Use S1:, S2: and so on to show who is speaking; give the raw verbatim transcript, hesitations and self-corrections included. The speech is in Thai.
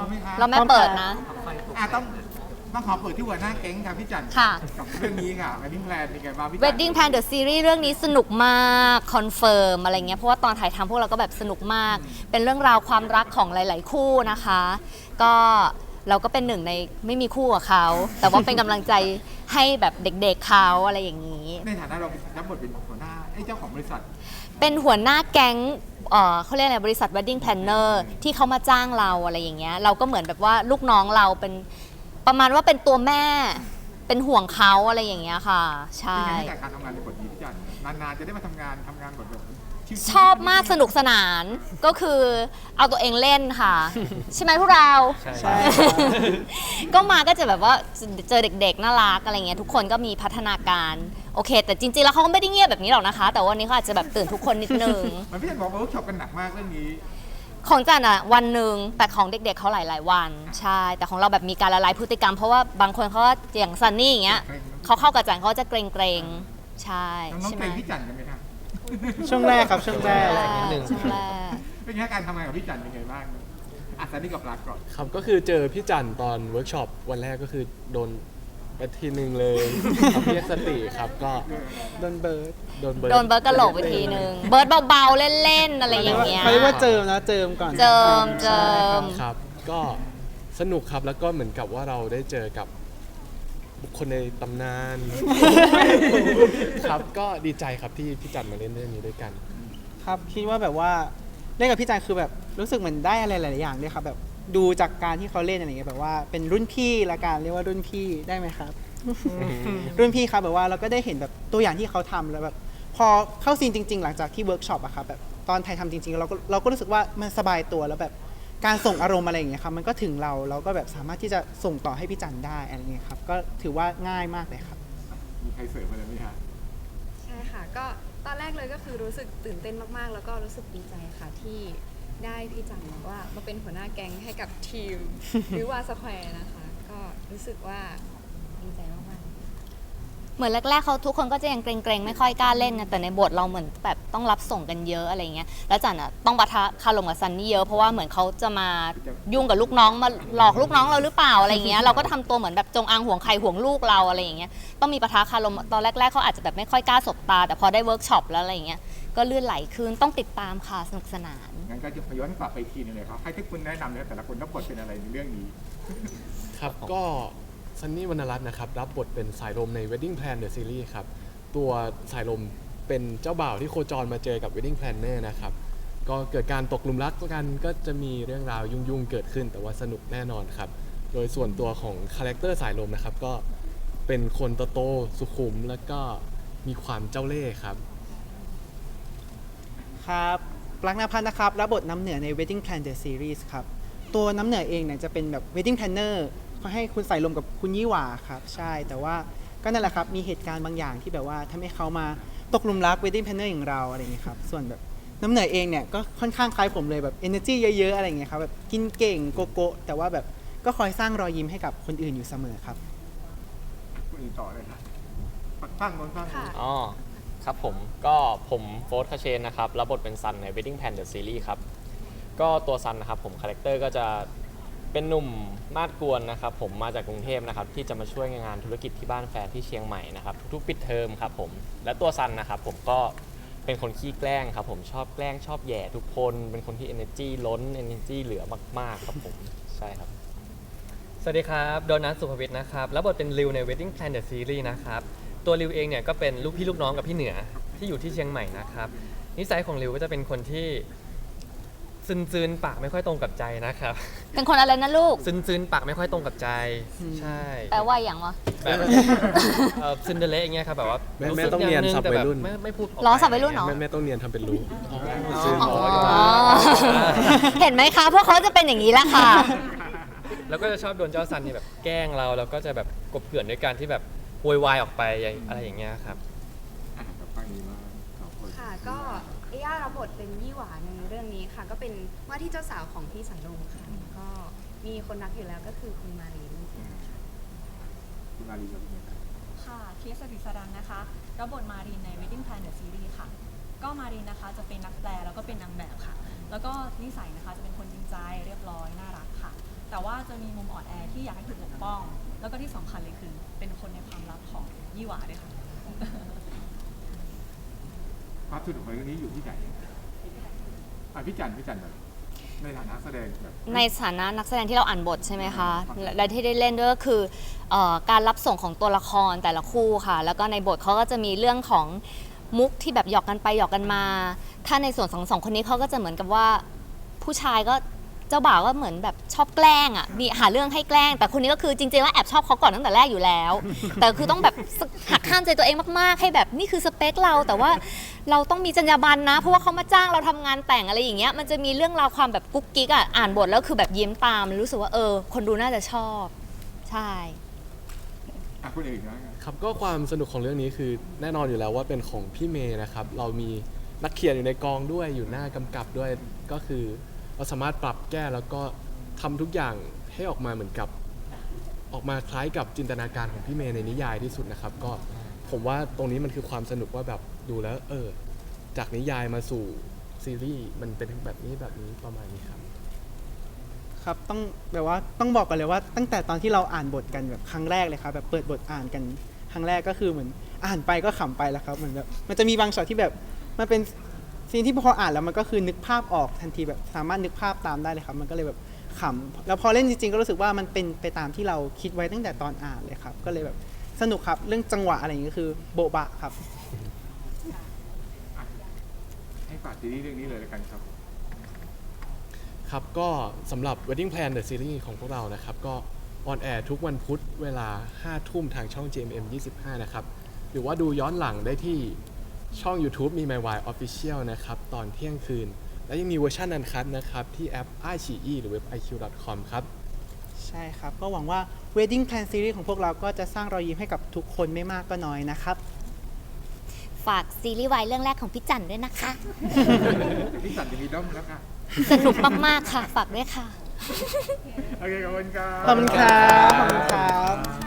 S1: ไหมคะ
S2: เราไม่เปิดนะ
S1: อ่ะต้องต้องขอเปิดที่หัวหน้าแก๊งค่ะพี่จัน
S2: ค่ะ
S1: กับเรื่องนี้ค่ะ Wedding Plan เป็นไงบ้างพี่จัน
S2: Wedding Plan The Series เรื่องนี้สนุกมากคอนเฟิร์มอะไรเงี้ยเพราะว่าตอนถ่ายทำพวกเราก็แบบสนุกมาก เป็นเรื่องราวความรักของหลาย ๆ คู่นะคะ ก็เราก็เป็นหนึ่งในไม่มีคู่กับเขา แต่ว่าเป็นกำลังใจให้แบบเด็ก ๆ เขาอะไรอย่างนี้
S1: ในฐานะเราเป็นรับบทเป็นหัวหน้าไอ้เจ้าของบริษัท
S2: เป็นหัวหน้าแก๊งเอ่อเขาเรียกอะไรบริษัท Wedding Planner ที่เขามาจ้างเราอะไรอย่างเงี้ยเราก็เหมือนแบบว่าลูกน้องเราเป็นประมาณว่าเป็นตัวแม่เป็นห่วงเขาอะไรอย่างเงี้ยค่ะ ใช่
S1: เป็นไงจากการทำงานในบทนี้พี่จันนานๆจะได้มาทำงานทำงานบทแบบชิวๆ
S2: ชอบมากสนุกสนานก็คือเอาตัวเองเล่นค่ะ ใช่ไหมพวกเรา
S3: ใช่
S2: ก็มาก็จะแบบว่าเจอเด็กๆน่ารักอะไรเงี้ยทุกคนก็มีพัฒนาการโอเค แต่จริงๆแล้วเขาก็ไม่ได้เงียบแบบนี้หรอกนะคะ แต่วันนี้เขาอาจจะแบบตื่นทุกคนนิดนึง
S1: มันพี่จันบอกว่าเวิร์กช็อปกันหนักมากเรื่องนี้
S2: ของจันอะวันหนึ่งแต่ของเด็กๆเขาหลายๆวันใช่แต่ของเราแบบมีการละลายพฤติกรรมเพราะว่าบางคนเขาก็อย่างซันนี่อย่างเงี้ยเขาเข้ากับจันเขาจะเกรงๆใช่
S1: น้อง
S2: ใช่
S1: ๆ
S2: ไหม
S1: เกรงพี่จันกันไหมครับ
S3: ช่วงแรกครับช่วงแรก
S2: ช่วง
S3: นิดนึง
S2: ช่วงแรก
S1: เป็นไงการทำงานกับพี่จันเป็นไงบ้างอ่ะซันนี่กับรักก่อน
S4: ครับก็คือเจอพี่จันตอนเวิร์กช็อปวันแรกก็คือโดนไปทีหนึ่งเลยครับเรียกสติครับก็
S3: โดนเบิร์ด
S4: โดนเบิร์ด
S2: โดนเบิร์ดกระโหลกไปทีนึงเบิร์ดเบาๆเล่นๆอะไรอย่างเงี้ย
S3: เขาเรียกว่าเจิมนะเจิมก่อน
S2: เจิมเจิม
S4: ครับก็สนุกครับแล้วก็เหมือนกับว่าเราได้เจอกับบุคคลในตำนาน ครับก็ดีใจครับที่พี่จันมาเล่นเรื่องนี้ด้วยกัน
S3: ครับคิดว่าแบบว่าเล่นกับพี่จันคือแบบรู้สึกเหมือนได้อะไรหลายๆอย่างด้วยครับแบบดูจากการที่เขาเล่นอะไรอย่างเงี้ยแบบว่าเป็นรุ่นพี่ละกันเรียกว่ารุ่นพี่ได้ไหมครับ รุ่นพี่ครับแบบว่าเราก็ได้เห็นแบบตัวอย่างที่เขาทำแล้วแบบพอเข้าซีนจริง ๆ หลังจากที่เวิร์กช็อปอะครับแบบตอนถ่ายทำจริงๆเราก็เราก็รู้สึกว่ามันสบายตัวแล้วแบบการส่งอารมณ์อะไรอย่างเงี้ยครับมันก็ถึงเราเราก็แบบสามารถที่จะส่งต่อให้พี่จันได้อะไรเงี้ยครับก็ถือว่าง่ายมากเลยครับ
S1: มีใครเสริมอะไรไหมคะ
S5: ใช่ค่ะก็ตอนแรกเลยก็คือรู้สึกตื่นเต้นมากๆ แล้วก็รู้สึกดีใจค่ะที่ได้พี่จังบอกว่ามาเป็นหัวหน้าแก๊งให้กับทีม วิวาสแควร์นะคะ ก็รู้สึกว่าดีใจมากๆ
S2: เหมือนแรกๆเขาทุกคนก็จะยังเกรงๆไม่ค่อยกล้าเล่นนะแต่ในบทเราเหมือนแบบต้องรับส่งกันเยอะอะไรเงี้ยแล้วจันอะต้องปะทะคารมกับซันนี่เยอะเพราะว่าเหมือนเขาจะมายุ่งกับลูกน้องมาหลอกลูกน้องเราหรือเปล่าอะไรเงี้ยเราก็ทำตัวเหมือนแบบจงอางห่วงใครห่วงลูกเราอะไรอย่างเงี้ยต้องมีปะทะคารมตอนแรกๆเขาอาจจะแบบไม่ค่อยกล้าสบตาแต่พอได้เวิร์กช็อปแล้วอะไรเงี้ยก็ลื่นไหลขึ้นต้องติดตามค่ะสนุกสนาน
S1: งั้นก็จะย้อนกลับไปอีกทีหนึงเลยครับให้ทุกคนแนะนำเลยแต่ละคนต้องบทเป็นอะไรในเรื่องนี้
S4: ครับก็ซันนี่วรรณรัตน์นะครับรับบทเป็นสายลมใน Wedding Plan The Series ครับตัวสายลมเป็นเจ้าบ่าวที่โคจรมาเจอกับ Wedding Planner นะครับก็เกิดการตกหลุมรักกันก็จะมีเรื่องราวยุ่งๆเกิดขึ้น แต่ว่าสนุกแน่นอนครับโดยส่วนตัวของคาแรคเตอร์สายลมนะครับก็เป็นคนโตๆสุขุมแล้วก็มีความเจ้าเล่ห์ครับ
S3: ครับปลั๊กนภัทรนะครับรับบทน้ำเหนือใน Wedding Plan The Series ครับตัวน้ำเหนือเองเนี่ยจะเป็นแบบ Wedding Planner เขาให้คุณใส่ลมกับคุณยี่หว่าครับใช่แต่ว่าก็นั่นแหละครับมีเหตุการณ์บางอย่างที่แบบว่าทำให้เขามาตกหลุมรัก Wedding Planner อย่างเราอะไรอย่างเงี้ยครับส่วนแบบน้ำเหนือเองเนี่ยก็ค่อนข้างคล้ายผมเลยแบบ energy เยอะๆอะไรอย่างเงี้ยครับแบบกินเก่งโกโก้แต่ว่าแบบก็คอยสร้างรอยยิ้มให้กับคนอื่นอยู่เสมอครับ
S1: คุณต่อเลยครับฟังบนฟัง
S5: ค่ะ
S6: อ๋อครับผมก็ผมโฟร์ธคาเชนนะครับรับบทเป็นซันใน Wedding Plan The Series ครับก็ตัวซันนะครับผมคาแรคเตอร์ก็จะเป็นหนุ่มมาดกวนนะครับผมมาจากกรุงเทพนะครับที่จะมาช่วยงานธุรกิจที่บ้านแฟนที่เชียงใหม่นะครับทุกๆปิดเทอมครับผมและตัวซันนะครับผมก็เป็นคนขี้แกล้งครับผมชอบแกล้งชอบแย่ทุกคนเป็นคนที่ energy ล้น energy เหลือมากๆครับผมใช่ครับ
S7: สวัสดีครับโดนัทสุภวิทย์นะครับรับบทเป็นริวใน Wedding Plan The Series นะครับตัวริวเองเนี่ยก็เป็นลูกพี่ลูกน้องกับพี่เหนือที่อยู่ที่เชียงใหม่นะครับนิสัยของริวก็จะเป็นคนที่ซึนๆปากไม่ค่อยตรงกับใจนะครับ
S2: เป็นคนอะไรนะลูก
S7: ซึนๆปากไม่ค่อยตรงกับใจใช่
S2: แปลว่าอย่างวะ
S7: แบบเอ่อซินเดอเรลอย่างเงี้ยครับแบบว่า
S4: แม่
S7: รู้
S4: แม่
S7: สึก
S4: ต้อง
S7: อย่าง
S4: เนียน
S7: นึง
S4: สับ
S7: แต่
S4: วั
S7: แบ
S4: ย
S7: บ
S4: รุ่น
S7: ไม่ไม่พูดกไป
S2: ล้อสับวัยรุ่นเหรอ
S4: แม่แม่ต้องเนียนทำเป็นรู้ซึ่ง
S2: อ๋อเห็นไหมคะพวกเขาจะเป็นอย่างนี้แหละค่ะ
S7: แล้วก็จะชอบโดนเจ้าซันเนี่ยแบบแกล้งเราแล้วก็จะแบบกบเกลื่อนด้วยการที่แบบโวยวายออกไปอะไรอย่างเงี้ยครับ
S1: อ่ะกับฟังนี้มากสองคน
S5: ค่ะก็เอย่ารับบทเป็นยี่หวาในเรื่องนี้ค่ะ ก็เป็นว่าที่เจ้าสาวของพี่สันลงค่ะก็มีคนรักอยู่แล้วก็คือคุณมารีนั่นเองค่ะ
S1: คุณมารีกับพี่เมย์ครับ
S8: ค่ะเคสดิสรันนะคะรับบทมารีนใน Wedding Plan The Series ค่ะก็มารีนนะคะจะเป็นนักแปลแล้วก็เป็นนางแบบค่ะแล้วก็นิสัยนะคะจะเป็นคนจริงใจเรียบร้อยน่ารักค่ะแต่ว่าจะมีมุมอ่อนแอที่อยากให้ถูกปกป้อง แล้วก็ที่สำคัญเลยคือเป็นคนในความลับของยี่หวาด้วยค่ะ
S1: ความสนุกของเรื่องนี้อยู่ที่ไหนอ่ะพี่จันพี่จันแบบในฐานะแสดงแบบ
S2: ในฐานะนักแสดงที่เราอ่านบทใช่ไหมคะและและที่ได้เล่นด้วยก็คือเอ่อการรับส่งของตัวละครแต่ละคู่ค่ะ แล้วก็ในบทเขาก็จะมีเรื่องของมุกที่แบบหยอกกันไปหยอกกันมา ถ้าในส่วนของสองคนนี้เขาก็จะเหมือนกับว่าผู้ชายก็เจ้าบ่าวก็เหมือนแบบชอบแกล้งอ่ะมีหาเรื่องให้แกล้ง แต่คนนี้ก็คือจริงๆแล้วแอบชอบเขาก่อนตั้งแต่แรกอยู่แล้ว แต่คือต้องแบบหักห้ามใจตัวเองมากๆ ให้แบบนี่คือสเปคเราแต่ว่าเราต้องมีจรรยาบรรณนะเพราะว่าเขามาจ้างเราทำงานแต่งอะไรอย่างเงี้ยมันจะมีเรื่องราวความแบบกุ๊กกิ๊กอ่ะอ่านบทแล้วคือแบบยิ้มตามรู้สึกว่าเออคนดูน่าจะชอบใช่
S1: อ่ะคนอื่นนะครับ
S4: ก็ความสนุกของเรื่องนี้คือแน่นอนอยู่แล้วว่าเป็นของพี่เมย์นะครับ เรามีนักเขียนอยู่ในกองด้วยอยู่หน้ากำกับด้วยก็คือเราสามารถปรับแก้แล้วก็ทำทุกอย่างให้ออกมาเหมือนกับออกมาคล้ายกับจินตนาการของพี่เมย์ในนิยายที่สุดนะครับ ก็ผมว่าตรงนี้มันคือความสนุกว่าแบบดูแล้วเออจากนิยายมาสู่ซีรีส์มันเป็นแบบนี้แบบนี้ประมาณนี้ครับ
S3: ครับต้องแบบว่าต้องบอกกันเลยว่าตั้งแต่ตอนที่เราอ่านบทกันแบบครั้งแรกเลยครับแบบเปิดบทอ่านกันครั้งแรกก็คือเหมือนอ่านไปก็ขำไปแล้วครับเหมือนแบบมันจะมีบางช็อตที่แบบมันเป็นซีนที่พออ่านแล้วมันก็คือนึกภาพออกทันทีแบบสามารถนึกภาพตามได้เลยครับมันก็เลยแบบขำแล้วพอเล่นจริงๆก็รู้สึกว่ามันเป็นไปตามที่เราคิดไว้ตั้งแต่ตอนอ่านเลยครับก็เลยแบบสนุกครับเรื่องจังหวะอะไรอย่างเงี้ยคือโบ๊ะบะครับ
S1: ให้ฝากซีรีส์เรื่องนี้เลยแล้วกันครับ
S4: ครับก็สำหรับ Wedding Plan The Series ของพวกเรานะครับก็ออนแอร์ทุกวันพุธเวลาห้าทุ่มทางช่อง จี เอ็ม เอ็ม ยี่สิบห้านะครับหรือว่าดูย้อนหลังได้ที่ช่อง YouTube มี My Why Official นะครับตอนเที่ยงคืน และยังมีเวอร์ชันอันคัทนะครับที่แอป ไอ ซี อี หรือเว็บ ไอ คิว ดอท คอม ครับ
S3: ใช่ครับก็หวังว่า Wedding Plan Series ของพวกเราก็จะสร้างรอยยิ้มให้กับทุกคนไม่มากก็น้อยนะครับ
S2: ฝากซีรีส์วายเรื่องแรกของพี่จันด้วยนะคะ
S1: พี่จันจะมีด้อมแล้วค่ะ
S2: สนุกมากๆค่ะฝากด้วยค่ะ
S1: โอเคขอบคุณครับ
S3: ขอบคุณครับขอบคุณครับ